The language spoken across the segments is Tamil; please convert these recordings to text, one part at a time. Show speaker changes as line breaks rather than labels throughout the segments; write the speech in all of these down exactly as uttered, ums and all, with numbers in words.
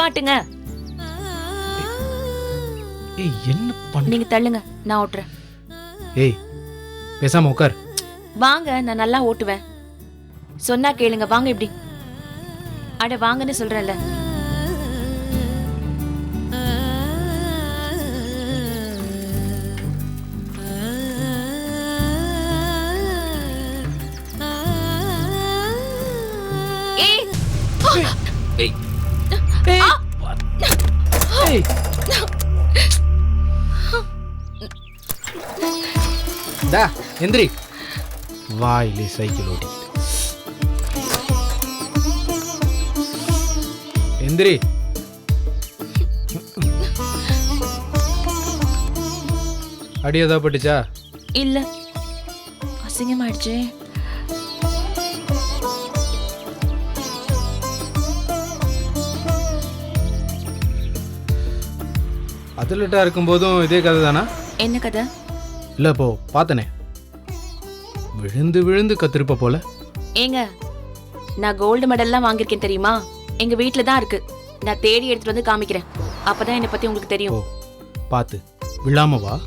நிப்பாட்டுங்க.
ஏய் என்ன பண்ண?
நீங்க தள்ளுங்க, நான் ஓட்டுறேன்.
ஏய் பேசாம உட்கார்.
வாங்க, நான் நல்லா ஓட்டுவேன். சொன்னா கேளுங்க, வாங்க இப்படி. அட வாங்கன்னு சொல்றேன்ல. ஏய்
ஏய் ஏய் ஏய் டா எந்திரி. வாயிலே சைக்கிள் ஓடி எந்திரி. அடி ஏதா பட்டுச்சா?
இல்ல, அசிங்கமாயிடுச்சு.
அத்லெட்டா இருக்கும்போதும் இதே கதை தானா?
என்ன கதை?
இல்ல இப்போ பார்த்தனே, விழுந்து விழுந்து கத்திருப்ப போல.
ஏங்க, நான் கோல்டு மெடல்லாம் வாங்கியிருக்கேன் தெரியுமா? எங்க வீட்ல தான் இருக்கு. நான் தேடி எடுத்துட்டு வந்து காமிக்கிறேன். அப்பதான் என்னை பத்தி உங்களுக்கு தெரியும்.
பார்த்து விழாம வா.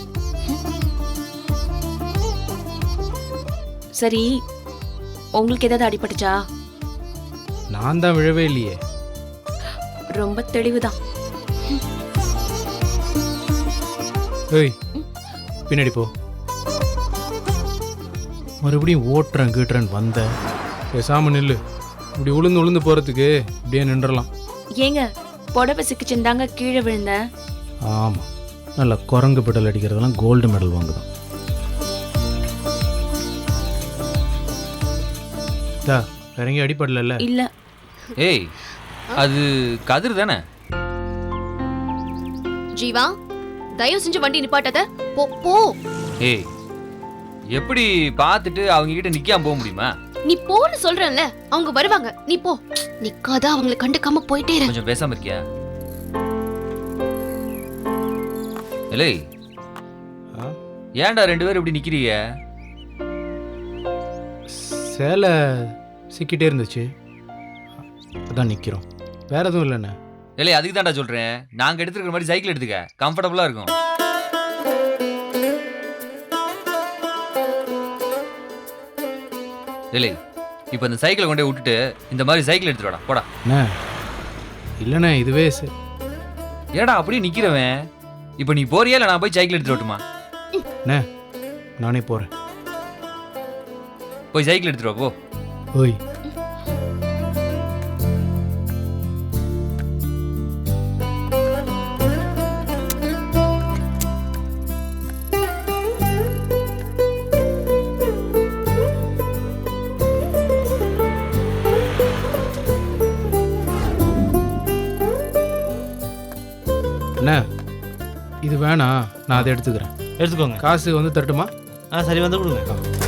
சரி, உங்களுக்கு ஏதாவது அடிபட்டுச்சா?
நான் தான் விழவே இல்லையே.
ரொம்ப தெளிவுதான்.
ஏய் பின்னாடி போ. மறுபடியும் ஓட்டுறேன் கீட்டுறேன் வந்த. பேசாம நில்லு. இப்படி உளுந்து உளுந்து போறதுக்கு இப்படியே நின்றலாம்.
ஏங்க, புடவை சிக்கிச்சுந்தாங்க கீழே விழுந்தேன்.
ஆமா, நல்ல குரங்கு பெடல் அடிக்கிறதெல்லாம் கோல்டு மெடல் வாங்குதான். இறங்கி அடிப்படல.
இல்ல.
ஏய், அது கதிர் தானே?
ஜீவா, தயவு செஞ்சு வண்டி நிப்பாட்டாத. போ போ.
ஏய், எப்படி பார்த்துட்டு அவங்க கிட்ட நிக்காம போக முடியுமா?
நீ போன்னு சொல்றேன்ல, அவங்க வருவாங்க. நீ போ. நிக்காத, அவங்களை கண்டுக்காம போயிட்டே இரு.
கொஞ்சம் பேசாம இருக்கியா? ஏலே, ஏன்டா ரெண்டு பேரும் இப்படி நிக்கிறீங்க?
சேலை சிக்கிட்டே இருந்துச்சு, அதான் நிக்கிறோம். வேற எதுவும் இல்லைண்ணே.
ஏலே, அதுக்கு தான்டா சொல்றேன். நாங்க எடுத்துக்கிற மாதிரி சைக்கிள் எடுத்துக்க, கம்ஃபர்டபுளா இருக்கும். ஏலே, இப்போ இந்த சைக்கிளை கொண்டே விட்டுட்டு இந்த மாதிரி சைக்கிள் எடுத்துட்டு வாடா, போடா.
அண்ணே இல்லைண்ணே, இதுவே சரி.
ஏடா அப்படியே நிக்கிறவன்? இப்போ நீ போறியா இல்லை நான் போய் சைக்கிள் எடுத்துட்டு வரட்டுமா?
அண்ணே நானே போறேன்.
போய் சைக்கிள் எடுத்துட்டு வா, போ.
ஓய், அண்ணே இது வேணாம், நான் அதை எடுத்துக்கிறேன்.
எடுத்துக்கோங்க.
காசு வந்து தரட்டுமா?
ஆ சரி, வந்து கொடுங்க.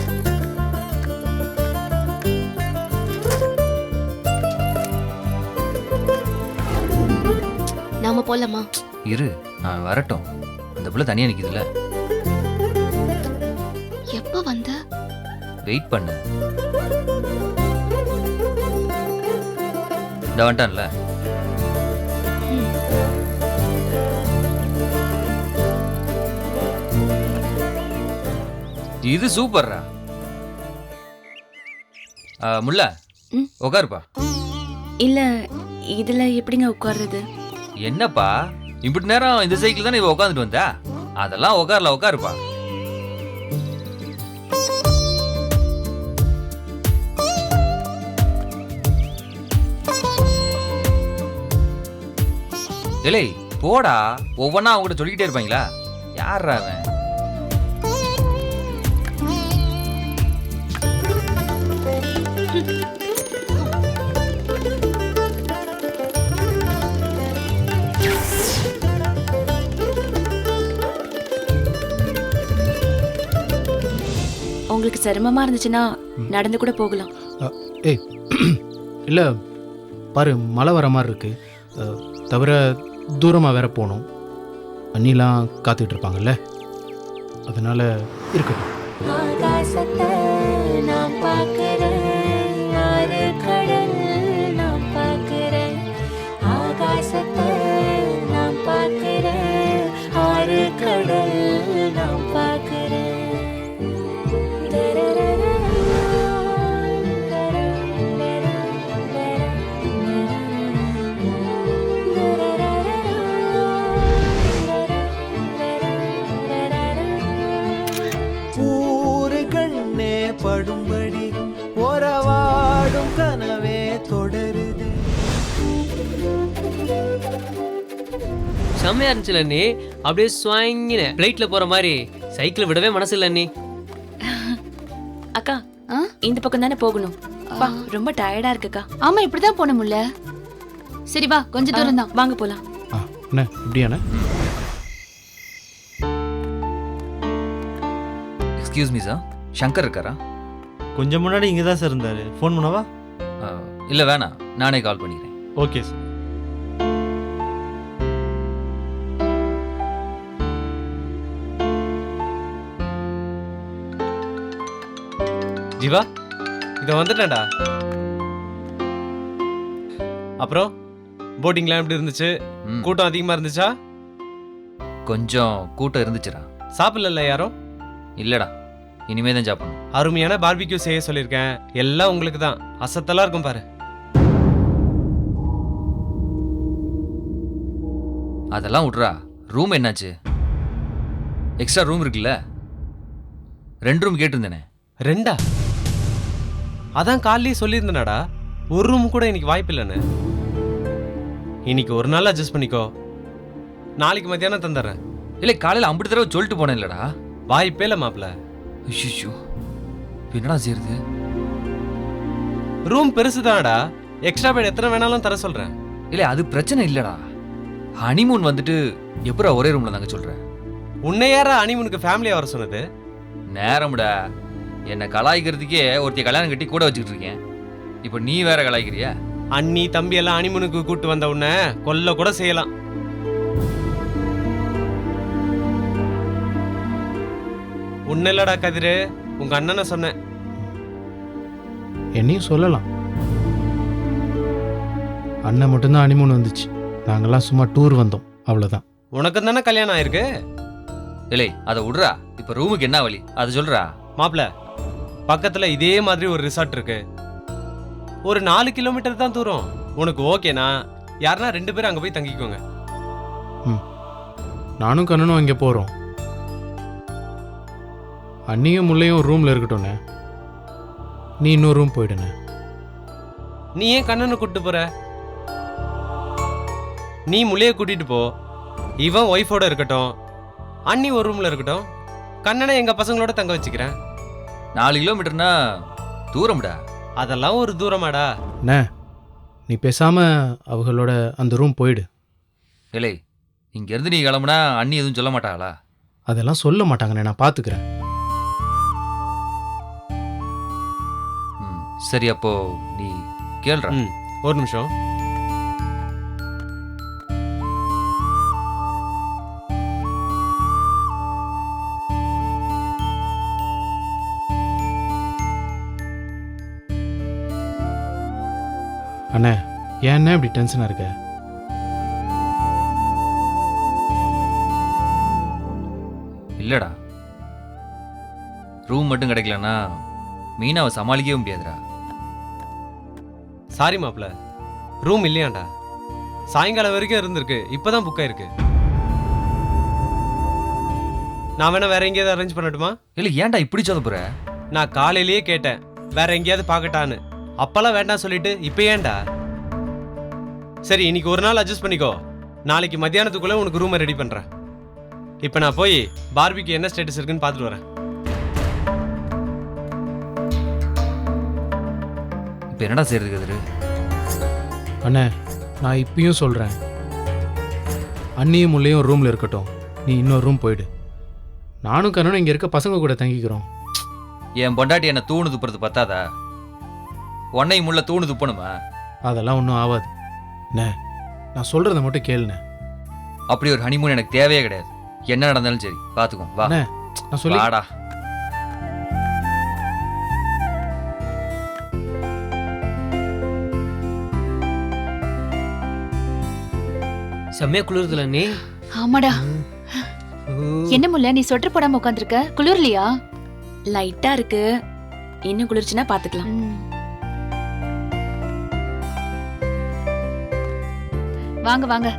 நாம போலாமா?
இரு, நான் வரட்டும். இந்த புள்ள தனியா நிக்குதுல்ல,
எப்ப வந்த?
வெயிட் பண்ணு. இந்த வந்துட்டான்ல. இது சூப்பர்ரா. முல்ல
ம்?
உட்காருப்பா.
இல்ல, இதுல எப்படிங்க உட்கார்றது?
என்னப்பா இப்படி நேரம் இந்த சைக்கிள் தானே இவ உட்காந்துட்டு வந்தா? அதெல்லாம் உட்காரல, உட்காருப்பா. ஏலே போடா, ஒவ்வொன்னா அவங்க கிட்ட சொல்லிக்கிட்டே இருப்பாங்களா? யாரா அவன்?
உங்களுக்கு சிரமமா இருந்துச்சுன்னா நடந்து கூட போகலாம்.
ஏய் இல்லை பாரு, மழை வர மாதிரி இருக்கு. அஹ், தவிர தூரமாக வேற போகணும். அண்ணிலாம் காத்துக்கிட்டு இருப்பாங்கல்ல, அதனால இருக்கட்டும்.
ஆகாசத்தை நான் பார்க்கிறேன், ஆறு கடல் நான் பார்க்கிறேன். ஆகாச
செம்மையா இருந்துச்சுல அண்ணி. அப்படியே ஸ்வாங்கின பிளைட்ல போற மாதிரி சைக்கிள் விடவே மனசு இல்ல அண்ணி.
அக்கா
ஆ?
இந்த பக்கம் தானே போகணும். அப்பா, ரொம்ப டயர்டா இருக்குக்கா.
ஆமா இப்படிதான் போனோம்ல. சரி வா, கொஞ்ச தூரம் தான்.
வாங்க போலாம்.
ஆ அண்ணே இப்படியாண்ணே?
எக்ஸ்கியூஸ் மீ சார், சங்கர் இருக்காரா?
கொஞ்சம் முன்னாடி இங்கே தான் சார் இருந்தார். ஃபோன் பண்ணவா?
இல்லை வேணாம், நானே கால் பண்ணிக்கிறேன்.
Okay sir.
ஜீவா, இதை வந்துட்டேன்டா. அப்புறம் போட்டிங்லாம் எப்படி இருந்துச்சு?
ம்,
கூட்டம் அதிகமாக இருந்துச்சா?
கொஞ்சம் கூட்டம் இருந்துச்சுடா.
சாப்பிடல யாரும்?
இல்லைடா, இனிமே தான் சாப்பிடணும்.
அருமையான பார்பிக்யூ செய்ய சொல்லியிருக்கேன். எல்லாம் உங்களுக்கு தான். அசத்தெல்லாம் இருக்கும் பாரு.
அதெல்லாம் விட்றா. ரூம் என்னாச்சு? எக்ஸ்ட்ரா ரூம் இருக்குல்ல? ரெண்டு ரூம் கேட்டிருந்தேனே.
ரெண்டா? அதான் காலையே சொல்லியிருந்தேனாடா, ஒரு ரூம் கூட இன்னைக்கு வாய்ப்பு இல்லைன்னு. இன்னைக்கு ஒரு நாள் அட்ஜஸ்ட் பண்ணிக்கோ, நாளைக்கு மத்தியானம் தந்துடுறேன்.
இல்லை, காலையில் ஐம்பது தடவை சொல்லிட்டு போனேன் இல்லடா.
வாய்ப்பே இல்லை மாப்பிள்ள.
ஐயோ, என்னடா செய்யறது?
ரூம் பெருசு தானடா, எக்ஸ்ட்ரா பெட் எத்தனை வேணாலும் தர சொல்றேன்.
இல்லை, அது பிரச்சனை இல்லடா. ஹனிமூன் வந்துட்டு எப்படா ஒரே ரூம்ல தாங்க சொல்றேன்.
உன்னை யாரா ஹனிமூனுக்கு ஃபேமிலியா வர சொன்னது?
நேரம்டா. என்னை கலாய்க்கிறதுக்கே ஒருத்தைய கல்யாணம் கட்டி கூட வச்சுக்கிட்டு இருக்கேன். இப்போ நீ வேற கலாய்க்கிறியா?
அண்ணி தம்பி எல்லாம் ஹனிமூனுக்கு கூட்டு வந்த உன்னை கொல்ல கூட செய்யலாம். உன்ன இல்லடா கதிரு, உங்க அண்ணனை சொன்னேன்.
என்னையும் சொல்லலாம். அண்ணன் மட்டும்தான் ஹனிமூன் வந்துச்சு, நாங்கெல்லாம் சும்மா டூர் வந்தோம், அவ்வளோதான்.
உனக்கு தானே கல்யாணம் ஆயிருக்கு.
இல்லை, அதை விட்றா. இப்போ ரூமுக்கு என்ன வழி அதை சொல்றா.
மாப்பிள்ள, பக்கத்துல இதே மாதிரி ஒரு ரிசார்ட் இருக்கு. ஒரு நாலு கிலோமீட்டர் தான் தூரம். உனக்கு ஓகேனா யாருன்னா ரெண்டு பேரும் அங்க போய் தங்கிக்கோங்க.
ம், நானும் கண்ணனும் அங்கே போகிறோம். அண்ணியும் முள்ளையும் ஒரு ரூமில் இருக்கட்டும்ண்ணே, நீ இன்னொரு ரூம் போயிடுண்ணே.
நீ ஏன் கண்ணனை கூட்டிட்டு போற? நீ முள்ளைய கூட்டிட்டு போ, இவன் ஒய்ஃபோட இருக்கட்டும், அண்ணி ஒரு ரூம்ல இருக்கட்டும், கண்ணனை எங்க பசங்களோட தங்க வச்சுக்கிறேன்.
நாலு கிலோமீட்டர்னா தூரம்டா.
அதெல்லாம் ஒரு தூரமாடா.
அண்ணே, நீ பேசாமல் அவங்களோட அந்த ரூம் போயிடு.
இல்லை, இங்கேருந்து நீ கிளம்புனா அண்ணி எதுவும் சொல்ல மாட்டாங்களா?
அதெல்லாம் சொல்ல மாட்டாங்கண்ணே, நான் பார்த்துக்கிறேன்.
ம், சரி, அப்போ நீ கேள்றா.
ம், ஒரு நிமிஷம்.
அண்ணே, ஏன் இப்படி டென்ஷனாக இருக்க?
இல்லடா, ரூம் மட்டும் கிடைக்கலன்னா மீனாவை சமாளிக்கவே முடியாதுடா.
சாரி மாப்பிள்ள, ரூம் இல்லையாண்டா. சாயங்காலம் வரைக்கும் இருந்திருக்கு, இப்பதான் புக் ஆயிருக்கு. நான் வேணா வேற எங்கேயாவது அரேஞ்ச் பண்ணட்டுமா?
இல்லை, ஏன்டா இப்படி சொல்ல போற?
நான் காலையிலேயே கேட்டேன் வேற எங்கேயாவது பார்க்கட்டான்னு. அப்பெல்லாம் வேண்டாம் சொல்லிட்டு இப்ப ஏன்டா? சரி, இன்னைக்கு ஒரு நாள் அட்ஜஸ்ட் பண்ணிக்கோ, நாளைக்கு மத்தியானத்துக்குள்ள உனக்கு ரூமை ரெடி பண்றேன். இப்ப நான் போய் பார்பிக்கு என்ன ஸ்டேட்டஸ் இருக்குன்னு பார்த்துட்டு வரேன்.
இப்போ என்னடா செய்யறது கதிரு?
அண்ணே, நான் இப்பயும் சொல்கிறேன், அண்ணியும் முள்ளையும் ஒரு ரூமில் இருக்கட்டும், நீ இன்னொரு ரூம் போயிடு. நானும் கண்ணனும் இங்கே இருக்க பசங்க கூட தங்கிக்கிறோம்.
என் பொண்டாட்டி என்ன தூணு துப்புறது பத்தாதா? உன்னை முள்ள தூணு துப்பணுமா?
அதெல்லாம் ஒன்றும் ஆகாது. அண்ணே, நான் சொல்கிறத மட்டும் கேளுண்ணே.
அப்படி ஒரு ஹனிமூன் எனக்கு தேவையே கிடையாது. என்ன நடந்தாலும் சரி பார்த்துக்கோ. வா,
அண்ணே, நான் சொல்லி
வாடா.
செம்மையா குளிர்துல அண்ணி.
ஆமாடா. என்ன முல்ல, நீ சொட்டர் போடாம உட்காந்துருக்க, குளிர்லையா?
லைட்டா இருக்கு, இன்னும் குளிர்ச்சுன்னா பாத்துக்கலாம்.
வாங்க வாங்க.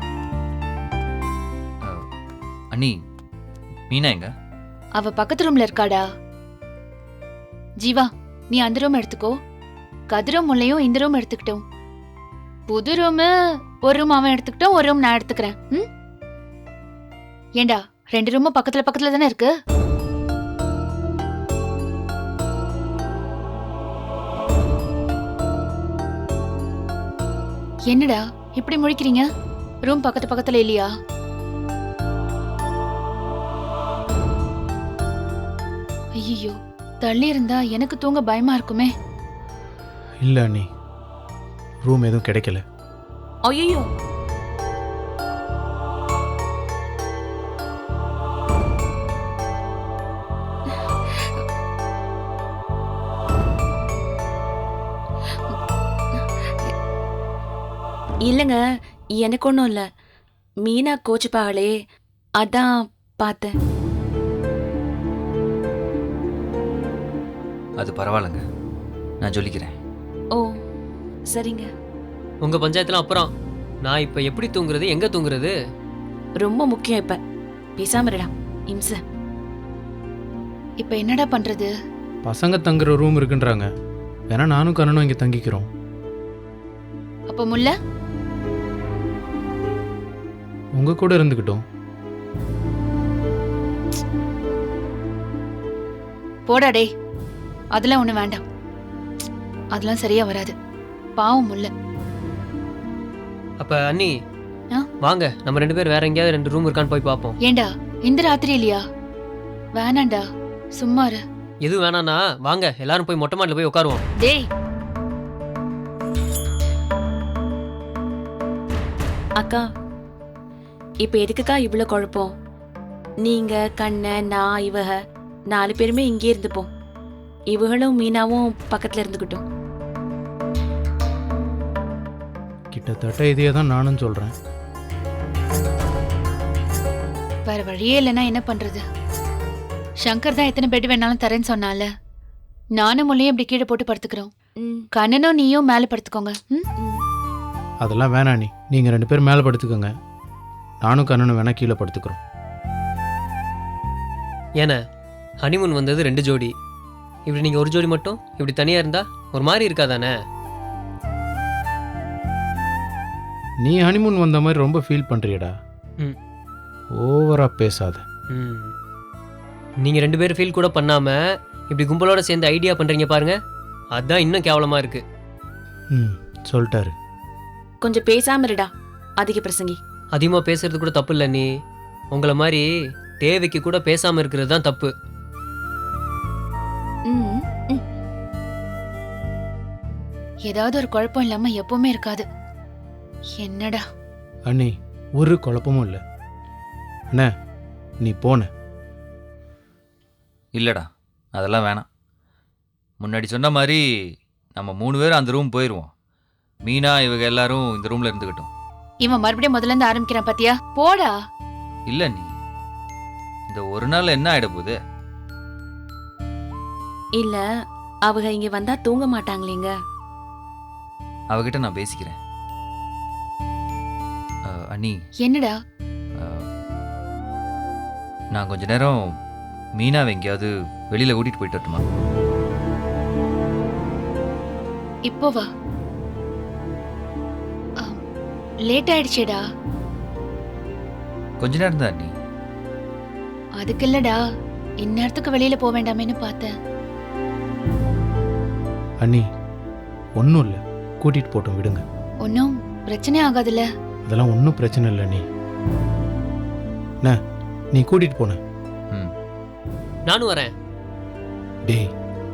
அண்ணி, மீனா எங்க?
அவ பக்கத்து ரூம்ல இருக்காடா. ஜீவா, நீ அந்த ரூம் எடுத்துக்கோ, கதிரும் முல்லையும் இந்த ரூம் எடுத்துக்கிட்டோம். புது ரூம் ஒரு ரூம் அவன் எடுத்துக்கிட்டோம், ஒரு ரூம் நான் எடுத்துக்கிறேன். ம், ஏண்டா ரெண்டு ரூமும் பக்கத்துல பக்கத்துல தானே இருக்கு. என்னடா இப்படி முழிக்கிறீங்க? ரூம் பக்கத்து பக்கத்துல இல்லையா? ஐயோ, தள்ளி இருந்தா எனக்கு தூங்க பயமா இருக்குமே.
இல்லை அண்ணி, ரூம் எதுவும் கிடைக்கல.
ஐயோ, இல்லைங்க, எனக்கு ஒன்றும் இல்லை. மீனா கோச்சுப்பாங்களே, அதான் பார்த்தேன்.
அது பரவாயில்லைங்க, நான் சொல்லிக்கிறேன்.
ஓ சரிங்க.
உங்க பஞ்சாயத்துல அப்புறம் நான் இப்ப எப்படி தூங்குறது, எங்க தூங்குறது?
ரொம்ப முக்கியம் இப்ப. பேசாம இருடா இம்ச.
இப்ப என்னடா பண்றது?
பசங்க தங்குற ரூம் இருக்குன்றாங்க. வேணா நானும் கண்ணனும் இங்கே தங்கிக்கிறோம்.
அப்ப முல்ல
உங்க கூட இருந்துக்கிட்டோம்.
போடா டேய், அதெல்லாம் ஒண்ணு வேண்டாம். அதெல்லாம் சரியா வராது. பாவம் முல்ல.
அப்ப அண்ணி
ஆ?
வாங்க நம்ம ரெண்டு பேர் வேற எங்கேயாவது ரெண்டு ரூம் இருக்கான்னு போய் பார்ப்போம்.
ஏண்டா இந்த ராத்திரி இல்லையா? வேணாண்டா, சும்மா இரு.
எதுவும் வேணாண்ணா வாங்க எல்லாரும் போய் மொட்டை மாடியில் போய் உட்காருவோம்.
டேய்
அக்கா, இப்ப எதுக்குக்கா இவ்வளோ குழப்பம்? நீங்க கண்ண நான் இவக நாலு பேருமே இங்கே இருந்துப்போம். இவகளும் மீனாவும் பக்கத்துல இருந்துக்கிட்டோம்.
கிட்டத்தட்ட இதையே தான் நானும் சொல்கிறேன்.
வேற வழியே இல்லைன்னா என்ன பண்றது? சங்கர் தான் எத்தனை பெட் வேணாலும் தரேன்னு சொன்னால. நானும் முள்ளையும் இப்படி கீழே போட்டு படுத்துக்கிறோம்.
ம்,
கண்ணனும் நீயும் மேலே படுத்துக்கோங்க. ம்?
ம்.
அதெல்லாம் வேணாம் நீ. நீங்கள் ரெண்டு பேரும் மேலே படுத்துக்கோங்க, நானும் கண்ணனும் வேணா கீழே படுத்துக்கிறோம்.
ஏன்னா ஹனிமூன் வந்தது ரெண்டு ஜோடி, இப்படி நீங்க ஒரு ஜோடி மட்டும் இப்படி தனியா இருந்தா ஒரு மாதிரி இருக்காதானே?
நீ ஹனிமூன் வந்த மாதிரி ரொம்ப ஃபீல் பண்ணுறியடா.
ம்.
ஓவராக பேசாத.
ம். நீங்க ரெண்டு பேரும் ஃபீல் கூட பண்ணாம இப்படி கும்பலோட சேர்ந்து ஐடியா பண்றீங்க பாருங்க, அதான் இன்னும் கேவலமா இருக்கு.
ம் சொல்லிட்டாரு.
கொஞ்சம் பேசாம இருடா அதிக பிரசங்கி.
அதிகமா பேசுறது கூட தப்பு இல்லை. நீ உங்களை மாதிரி தேவைக்கு கூட பேசாம இருக்கிறது தான் தப்பு.
ம், ம்.
ஏதாவது ஒரு குழப்பம் இல்லாம எப்பவுமே இருக்காது. என்னடா
அண்ணி, ஒரு குழப்பமும் இல்லை. அண்ணே நீ போன.
இல்லைடா, அதெல்லாம் வேணாம். முன்னாடி சொன்ன மாதிரி நம்ம மூணு பேரும் அந்த ரூம் போயிடுவோம். மீனா இவங்க எல்லாரும் இந்த ரூமில் இருந்துக்கிட்டோம்.
இவன் மறுபடியும் முதல்ல இருந்து ஆரம்பிக்கிறான் பாத்தியா? போடா.
இல்லை நீ, இந்த ஒரு நாள் என்ன ஆகிட போகுது?
இல்ல, அவங்க இங்க வந்தா தூங்க மாட்டாங்களேங்க.
அவகிட்ட நான் பேசிக்கிறேன். அஹ், அண்ணி,
என்னடா?
அஹ், நான் கொஞ்ச நேரம் மீனாவை எங்கேயாவது வெளியில் கூட்டிகிட்டு போயிட்டு வரட்டுமா?
இப்போ வா. லேட் ஆயிடுச்சேடா.
கொஞ்ச நேரம் தான் அண்ணி.
அதுக்கு இல்லடா, இந்நேரத்துக்கு வெளியில போக வேண்டாமேன்னு பார்த்தேன்.
அண்ணி ஒன்றும் இல்லை, கூட்டிகிட்டு போட்டோம் விடுங்க.
ஒன்னும் பிரச்சனை ஆகாதுல்ல?
அதெல்லாம் ஒன்றும் பிரச்சனை இல்லை. நீ என்ன நீ கூட்டிகிட்டு போன.
ம்.
நானும் வரேன்.
டேய்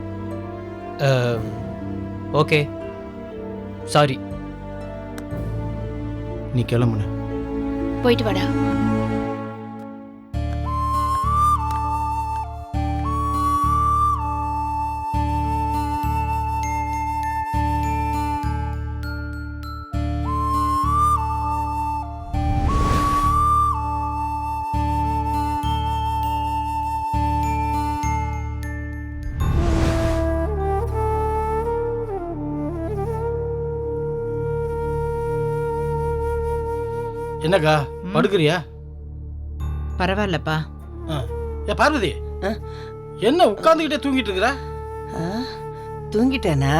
ஓகே சாரி.
நீ கிளம்புன.
போயிட்டு வாடா.
என்னக்கா படுக்கிறியா?
பரவாயில்லப்பா.
ஏ பார்வதி, என்ன உட்காந்துக்கிட்டே தூங்கிட்டு இருக்கிற?
தூங்கிட்டேனா?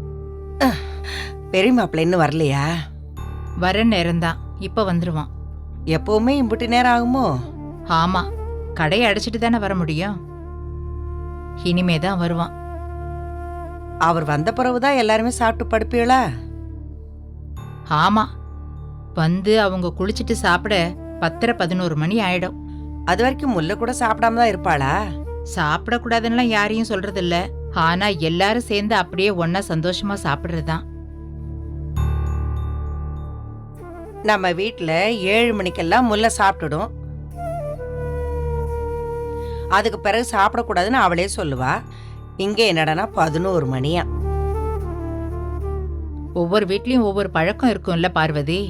பெரிய மாப்பிள்ள இன்னும் வரலையா?
வர நேரம்தான், இப்ப வந்துருவான். எப்பவுமே இம்புட்டு நேரம் ஆகுமோ?
ஆமா, கடையை அடைச்சிட்டு தானே வர முடியும். இனிமே தான் வருவான்.
அவர் வந்த பிறகுதான் எல்லாருமே சாப்பிட்டு படுப்பீங்களா?
ஆமா, வந்து அவங்க குளிச்சுட்டு சாப்பிட பத்தரை பதினோரு மணி ஆயிடும்.
அது வரைக்கும் முல்லை கூட சாப்பிடாம தான் இருப்பாளா?
சாப்பிடக்கூடாதுன்னா யாரையும் சொல்றது இல்ல. ஆனா எல்லாரும் சேர்ந்து அப்படியே ஒன்னா சந்தோஷமா சாப்பிடுறதுதான்.
நம்ம வீட்டுல ஏழு மணிக்கெல்லாம் முல்லை சாப்பிட்டுடும். அதுக்கு பிறகு சாப்பிடக்கூடாதுன்னு அவளே சொல்லுவா. இங்க என்னடனா பதினோரு மணியா.
ஒவ்வொரு வீட்லயும் ஒவ்வொரு பழக்கம் இருக்கும்ல பார்வதி.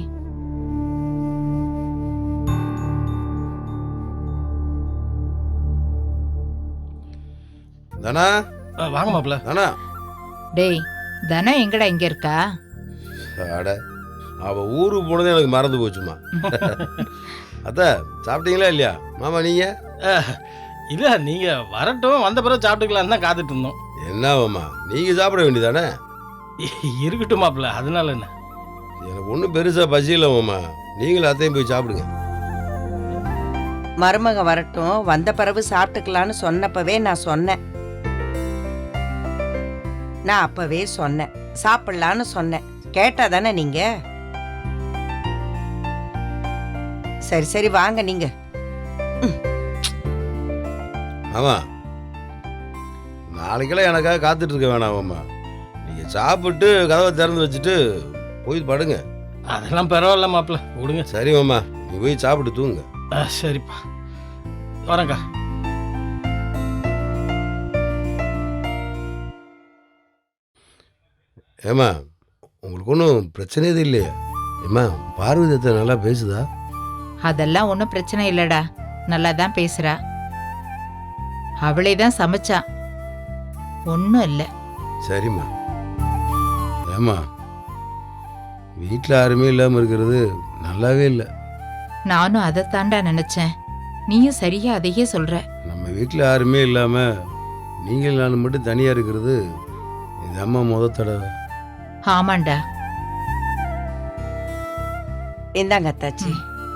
தானா
வாங்க மாப்பிள்ள.
தானா
டேய், தனம் எங்கடா இங்க இருக்கா?
அட அவ ஊருக்கு போனதே எனக்கு மறந்து போச்சுமா. அத்த சாப்பிட்டீங்களா இல்லையா மாமா? நீங்க
இல்ல, நீங்க வரட்டும், வந்த பிறகு சாப்பிட்டுக்கலாம் தான் காத்துட்டு இருந்தோம்.
என்னவாம்மா நீங்க சாப்பிட வேண்டியதானே?
இருக்கட்டும் மாப்பிள்ள, அதனால என்ன?
எனக்கு ஒன்றும் பெருசா பசி இல்லை மாமா. நீங்களும் அத்தையும் போய் சாப்பிடுங்க.
மருமக வரட்டும், வந்த பிறகு சாப்பிட்டுக்கலான்னு சொன்னப்பவே நான் சொன்னேன். நான் அப்பவே சொன்னேன் சாப்பிடலான்னு சொன்னேன். கேட்டா தானே நீங்க? சரி சரி வாங்க நீங்க.
ஆமா நாளைக்கெல்லாம் எனக்காக காத்துட்டு இருக்க வேணாமாம்மா. நீங்க சாப்பிட்டு கதவை திறந்து வச்சுட்டு போய் படுங்க.
அதெல்லாம் பரவாயில்ல மாப்பிள்ள, விடுங்க.
சரி மாமா, நீ போய் சாப்பிட்டு தூங்க.
ஆ, சரிப்பா, வரேங்க்கா.
ஏம்மா உங்களுக்கு ஒன்றும் பிரச்சனை எதுவும் இல்லையா? ஏம்மா பார்வதியத்தை நல்லா பேசுதா?
அதெல்லாம் ஒன்றும் பிரச்சனை இல்லடா, நல்லா தான் பேசுறா. அவளே தான் சமைச்சா, ஒன்றும் இல்லை.
சரிம்மா. ஏம்மா வீட்டில் யாருமே இல்லாமல் இருக்கிறது நல்லாவே இல்லை.
நானும் அதைத்தாண்டா நினைச்சேன். நீயும் சரியா அதையே சொல்ற.
நம்ம வீட்டில் யாருமே இல்லாமல் நீங்கள் நான் மட்டும் தனியாக இருக்கிறது இது அம்மா முத தடவை.
ஆமாண்டா.
இந்தாங்க அத்தாச்சி.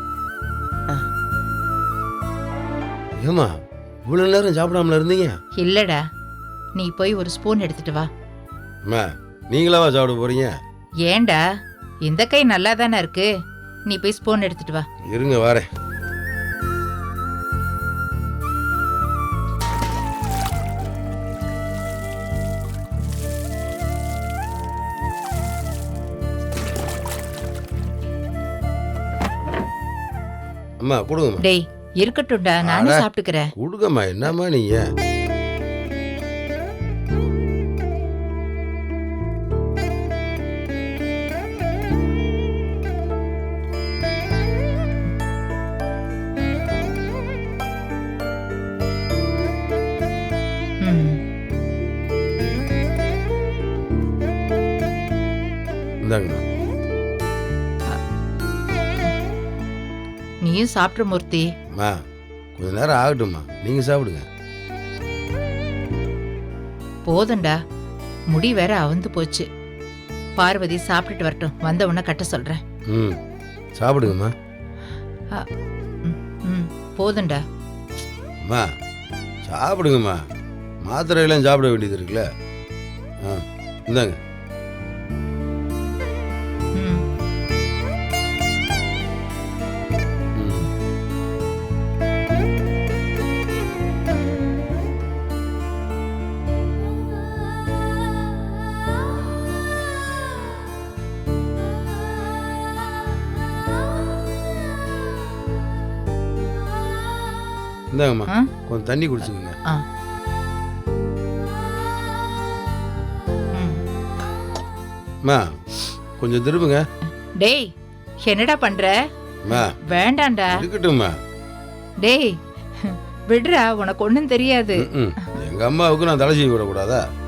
ஏம்மா இவ்வளோ நேரம் சாப்பிடாமல இருந்தீங்க?
இல்லடா, நீ போய் ஒரு ஸ்பூன் எடுத்துட்டு வா.
அம்மா நீங்களாவா சாப்பிட போறீங்க?
ஏண்டா, இந்த கை நல்லா தானே இருக்கு, நீ போய் ஸ்பூன் எடுத்துட்டு வா.
இருங்க வரேன். அம்மா கொடுங்கம்மா.
டேய் இருக்கட்டும்டா, நானே
அட.
சாப்பிட்டுக்கிறேன்.
கொடுங்கம்மா. என்னம்மா நீங்க?
ம்.
இந்தாங்கம்மா.
நீயும் சாப்பிட்ற மூர்த்தி.
அம்மா கொஞ்ச நேரம் ஆகட்டும்மா, நீங்க சாப்பிடுங்க.
போதும்டா, முடி வேற அவுந்து போச்சு. பார்வதி சாப்பிட்டுட்டு வரட்டும், வந்த உடனே கட்ட சொல்றேன்.
ம் சாப்பிடுங்கம்மா.
ம், ம் போதும்டா.
அம்மா சாப்பிடுங்கம்மா. மாத்திரையெல்லாம் சாப்பிட வேண்டியது இருக்குல்ல. ஆ இந்தாங்க.
ம்.
ம். இந்தாங்கம்மா,
ஆ?
கொஞ்சம் தண்ணி குடிச்சுக்கோங்க.
ஆ. ம்.
அம்மா கொஞ்சம் திரும்புங்க.
டேய் என்னடா பண்ற?
அம்மா
வேண்டாம்டா.
இருக்கட்டும்மா.
டேய் விடுறா, உனக்கு ஒண்ணும் தெரியாது.
ம், ம். எங்க அம்மாவுக்கு நான் தலை செய்ய விடக்கூடாதா?